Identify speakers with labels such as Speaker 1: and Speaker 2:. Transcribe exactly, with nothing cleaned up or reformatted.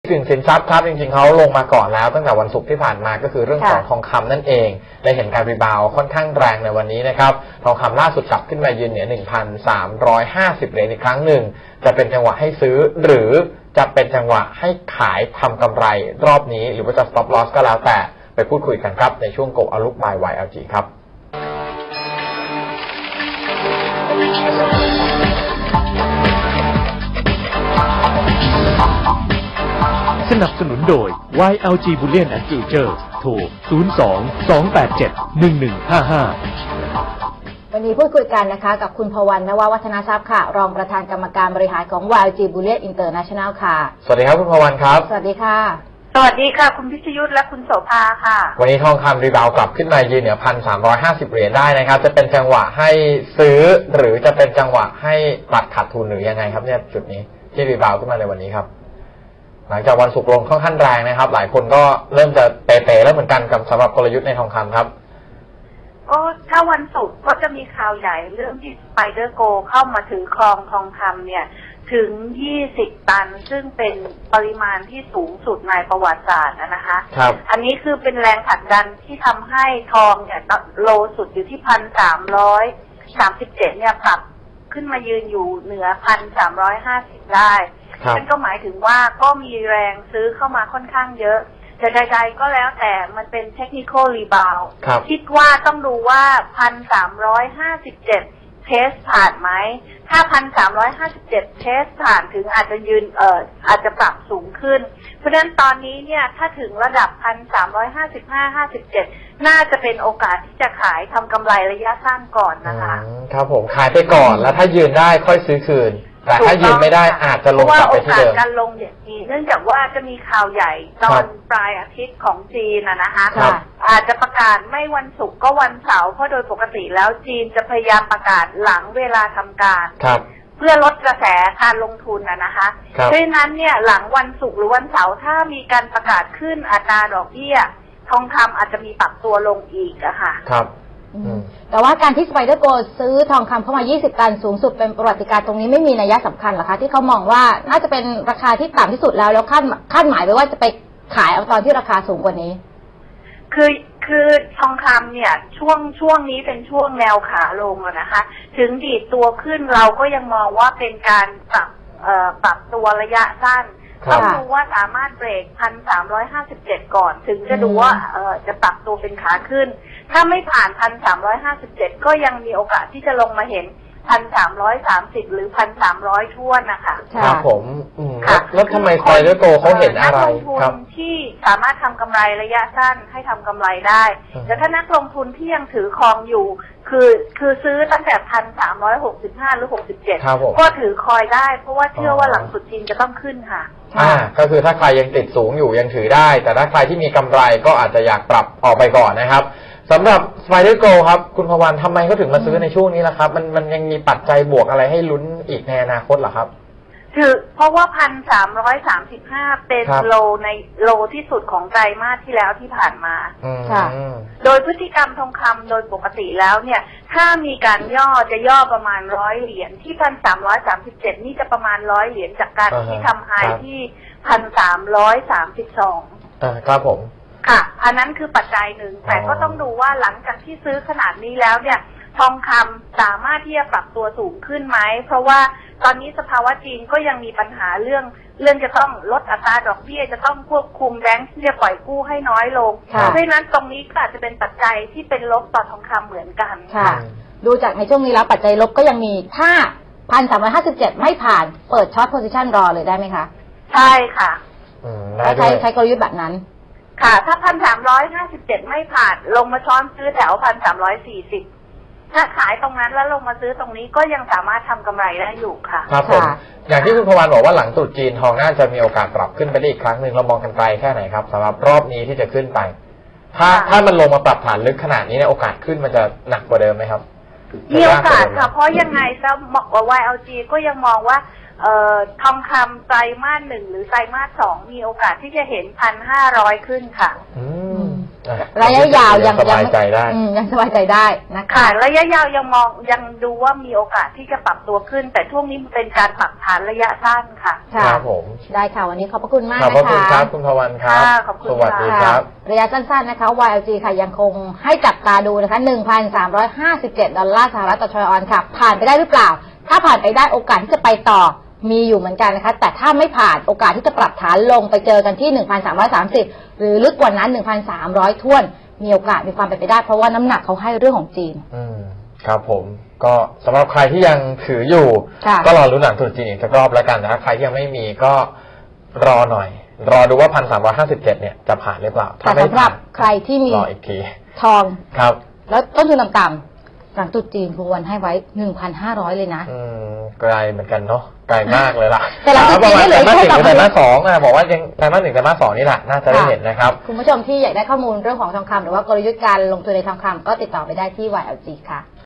Speaker 1: สินสินทรัพย์ครับจริงๆเขาลงมาก่อนแล้วตั้งแต่วันศุกร์ที่ผ่านมาก็คือเรื่องของทองคำนั่นเองได้เห็นการรีบาวค่อนข้างแรงในวันนี้นะครับทองคำล่าสุดกลับขึ้นมายืนเหนือ หนึ่งพันสามร้อยห้าสิบ เหรียญอีกครั้งหนึ่งจะเป็นจังหวะให้ซื้อหรือจะเป็นจังหวะให้ขายทำกำไรรอบนี้หรือว่าจะ stop loss ก็แล้วแต่ไปพูดคุยกันครับในช่วง Go Outlook by วาย แอล จี ครับ
Speaker 2: สนับสนุนโดย วาย แอล จี Bullion and Futures โทร ศูนย์ สอง สอง แปด เจ็ด หนึ่ง หนึ่ง ห้า ห้า
Speaker 3: วันนี้พูดคุยกันนะคะกับคุณพวัน นววัฒนทรัพย์ค่ะรองประธานกรรมการบริหารของ วาย แอล จี Bullion International ค่ะ
Speaker 1: สวัสดีครับคุณพวันครับ
Speaker 3: สวัสดีค่ะ
Speaker 4: สวัสดีค่ะคุณพิชยุทธและคุณโสภาค่ะ
Speaker 1: วันนี้ทองคำรีบาวกลับขึ้นมายืนเหนือ หนึ่งพันสามร้อยห้าสิบ เหรียญได้นะครับจะเป็นจังหวะให้ซื้อหรือจะเป็นจังหวะให้ตัดขาดทุนหรือยังไงครับเนี่ยจุดนี้ที่รีบาวขึ้นมาในวันนี้ครับหลังจากวันศุกร์ลงค่อนข้างแรงนะครับหลายคนก็เริ่มจะเป๋ๆแล้วเหมือนกันกับสำหรับกลยุทธ์ในทองคำครับ
Speaker 4: ก็ถ้าวันศุกร์ก็จะมีข่าวใหญ่เรื่องที่สไปเดอร์โกเข้ามาถือครองทองคำเนี่ยถึงยี่สิบตันซึ่งเป็นปริมาณที่สูงสุดในประวัติศาสตร์นะคะ
Speaker 1: ครับ
Speaker 4: อันนี้คือเป็นแรงผลักดันที่ทำให้ทองเนี่ยโลสุดอยู่ที่พันสามร้อยสามสิบเจ็ดเนี่ยปรับขึ้นมายืนอยู่เหนือพันสามร้อยห้าสิบได้นั่นก็หมายถึงว่าก็มีแรงซื้อเข้ามาค่อนข้างเยอะแต่ใดๆก็แล้วแต่มันเป็นเทคนิคอลรีบาวด์คิดว่าต้องดูว่าพันสามร้อยห้าสิบเจ็ดเทสผ่านไหมถ้าพันสามร้อยห้าสิบเจ็ดเทสผ่านถึงอาจจะยืนเอ่ออาจจะปรับสูงขึ้นเพราะฉะนั้นตอนนี้เนี่ยถ้าถึงระดับพันสามร้อยห้าสิบห้าห้าสิบเจ็ดน่าจะเป็นโอกาสที่จะขายทำกำไรระยะสั้นก่อนนะคะ
Speaker 1: ครับผมขายไปก่อนแล้วถ้ายืนได้ค่อยซื้อคืนแต่ถ้ายืนไม่ได้อาจจะลงกลับไปที่เดิม
Speaker 4: เพราะว่าโอกาสการลงอย่างนี้เนื่องจากว่าจะมีข่าวใหญ่ตอนปลายอาทิตย์ของจีนนะนะคะอาจจะประกาศไม่วันศุกร์ก็วันเสาร์เพราะโดยปกติแล้วจีนจะพยายามประกาศหลังเวลาทำการเพื่อลดกระแสการลงทุนนะนะคะเพราะฉะนั้นเนี่ยหลังวันศุกร์หรือวันเสาร์ถ้ามีการประกาศขึ้นอัตราดอกเบี้ยทองคำอาจจะมีปรับตัวลงอีกอะค่ะ
Speaker 1: ครับ
Speaker 3: แต่ว่าการที่สไปเดอร์โกซื้อทองคำเข้ามายี่สิบตันสูงสุดเป็นประวัติการณ์ตรงนี้ไม่มีนัยสำคัญหรอคะที่เขามองว่าน่าจะเป็นราคาที่ต่ำที่สุดแล้วแล้วคาดคาดหมายไว้ว่าจะไปขายเอาตอนที่ราคาสูงกว่านี้
Speaker 4: คือคือทองคำเนี่ยช่วงช่วงนี้เป็นช่วงแนวขาลงนะคะถึงดีดตัวขึ้นเราก็ยังมองว่าเป็นการปรับเอ่อปรับตัวระยะสั้นต้องดูว่าสามารถเบรกพันสามร้อยห้าสิบเจ็ดก่อนถึงจะดูว่าเอ่อจะปรับตัวเป็นขาขึ้นถ้าไม่ผ่านพันสามร้อยห้าสิบเจ็ดก็ยังมีโอกาสที่จะลงมาเห็นพันสามร้อยสามสิบหรือพันสามร้อยท่วนนะคะ
Speaker 1: ครับผมแล้วทำไมสไปเดอร์โกเขาเห็นอะไร
Speaker 4: ครับที่สามารถทำกำไรระยะสั้นให้ทำกำไรได้แต่ถ้านักลงทุนที่ยังถือครองอยู่คือคือซื้อตั้งแต่พันสามร้อยหกสิบห้าหรือหกสิบเจ็ดก็ถือคอยได้เพราะว่าเชื่อว่าหลังสุดจีนจะต้องขึ้นค่ะ
Speaker 1: อ่าก็คือถ้าใครยังติดสูงอยู่ยังถือได้แต่ถ้าใครที่มีกำไรก็อาจจะอยากปรับออกไปก่อนนะครับสำหรับสไปเดอร์โกครับคุณพวันทำไมเขาถึงมาซื้อในช่วงนี้ล่ะครับมันมันยังมีปัจจัยบวกอะไรให้ลุ้นอีกในอนาคตเหรอครับ
Speaker 4: คือเพราะว่าพันสามร้อยสามสิบห้าเป็นโลในโลที่สุดของไตรมาสที่แล้วที่ผ่านมา
Speaker 3: ค่ะ
Speaker 4: โดยพฤติกรรมทองคำโดยปกติแล้วเนี่ยถ้ามีการย่อจะย่อประมาณร้อยเหรียญที่พันสามร้อยสามสิบเจ็ดนี่จะประมาณร้อยเหรียญจากการที่ทำไฮที่พันสามร้อยสามสิบสอง
Speaker 1: อ่าครับผม
Speaker 4: ค่ะอันนั้นคือปัจจัยหนึ่งแต่ก็ต้องดูว่าหลังจากที่ซื้อขนาดนี้แล้วเนี่ยทองคำสามารถที่จะปรับตัวสูงขึ้นไหมเพราะว่าตอนนี้สภาวะจีนก็ยังมีปัญหาเรื่องเรื่องจะต้องลดอัตราดอกเบี้ยจะต้องควบคุมแบงค์ที่จะปล่อยกู้ให้น้อยลงเพราะฉะนั้นตรงนี้ก็อาจจะเป็นปัจจัยที่เป็นลบต่อทองคำเหมือนกัน
Speaker 3: ค่ะดูจากในช่วงนี้แล้วปัจจัยลบก็ยังมีถ้าพันสามร้อยห้าสิบเจ็ดไม่ผ่านเปิดช็อตโพซิชันรอเลยได้ไหมคะ
Speaker 4: ใช่ค่ะ
Speaker 3: ใช้ใช้กลยุทธ์แบบนั้น
Speaker 4: ค่ะถ้าพันสามร้อยห้าสิบเจ็ดไม่ผ่านลงมาช้อนซื้อแถวพันสามร้อยสี่สิบถ้าขายตรงนั้นแล้วลงมาซื้อตรงนี้ก็ยังสามารถทำกำไรได้อยู่ค่ะ
Speaker 1: ครับผมอย่างที่คุณพวันบอกว่าหลังตรุษจีนทองน่าจะมีโอกาสปรับขึ้นไปได้อีกครั้งหนึ่งเรามองกันไกลแค่ไหนครับสำหรับรอบนี้ที่จะขึ้นไปถ้าถ้ามันลงมาปรับฐานลึกขนาดนี้เนี่ยโอกาสขึ้นมันจะหนักกว่าเดิมไหมครับ
Speaker 4: มีโอกาสค่ะเพราะยังไงซะบอกว่า วาย แอล จี ก็ยังมองว่าเอ่อทองคำไตรมาสหนึ่งหรือไตรมาสสองมีโอกาสที่จะเห็นพันห้าร้อยขึ้นค่ะ
Speaker 1: อืม
Speaker 3: ระยะยาวยัง
Speaker 1: สบายใจได้
Speaker 3: ยังสบายใจได้นะคะ
Speaker 4: ค่ะระยะยาวยังมองยังดูว่ามีโอกาสที่จะปรับตัวขึ้นแต่ช่วงนี้มันเป็นการปรับฐานระยะสั้นค่ะ
Speaker 1: ครับผม
Speaker 3: ได้ค่ะวันนี้ขอบพระคุณมาก
Speaker 1: นะคะขอบพระคุณครับคุณพวันครับสวัสดีครับ
Speaker 3: ระยะสั้นๆนะคะ วาย แอล จี ค่ะยังคงให้จับตาดูนะคะ หนึ่งพันสามร้อยห้าสิบเจ็ด ดอลลาร์สหรัฐต่อทรอยออนค่ะผ่านไปได้หรือเปล่าถ้าผ่านไปได้โอกาสที่จะไปต่อมีอยู่เหมือนกันนะคะแต่ถ้าไม่ผ่านโอกาสที่จะปรับฐานลงไปเจอกันที่ หนึ่งพันสามร้อยสามสิบ หรือลึกกว่านั้น หนึ่งพันสามร้อย ถ้วนมีโอกาสมีความเป็นไปได้เพราะว่าน้ำหนักเขาให้เรื่องของจีน
Speaker 1: อืมครับผมก็สำหรับใครที่ยังถืออยู่ก็รอลุ้นหลังตรุษจีนอีกสักรอบแล้วกันนะใครที่ยังไม่มีก็รอหน่อยรอดูว่า หนึ่งพันสามร้อยห้าสิบเจ็ด เนี่ยจะผ่านหรือเปล่า
Speaker 3: ถ้าไม่ผ่านใครที่มี
Speaker 1: รออีกที
Speaker 3: ทอง
Speaker 1: ครับ
Speaker 3: แล้วต้นทุนต่ำๆหลังตรุษจีนคุณวันให้ไว้ หนึ่งพันห้าร้อย เลยนะ
Speaker 1: อืมไกลเหมือนกันเนาะไกลมากเลยล่ะ
Speaker 3: แต่หลังตรุษจีนไม่เหลือแค่
Speaker 1: ไตรมาสสองนะบอกว่ายังไตรมาสหนึ่งไตรมาสสองนี่แหละน่าจะได้เห็นนะครับ
Speaker 3: คุณผู้ชมที่อยากได้ข้อมูลเรื่องของทองคำหรือว่ากลยุทธ์การลงทุนในทองคำก็ติดต่อไปได้ที่ วาย แอล จี ค่ะ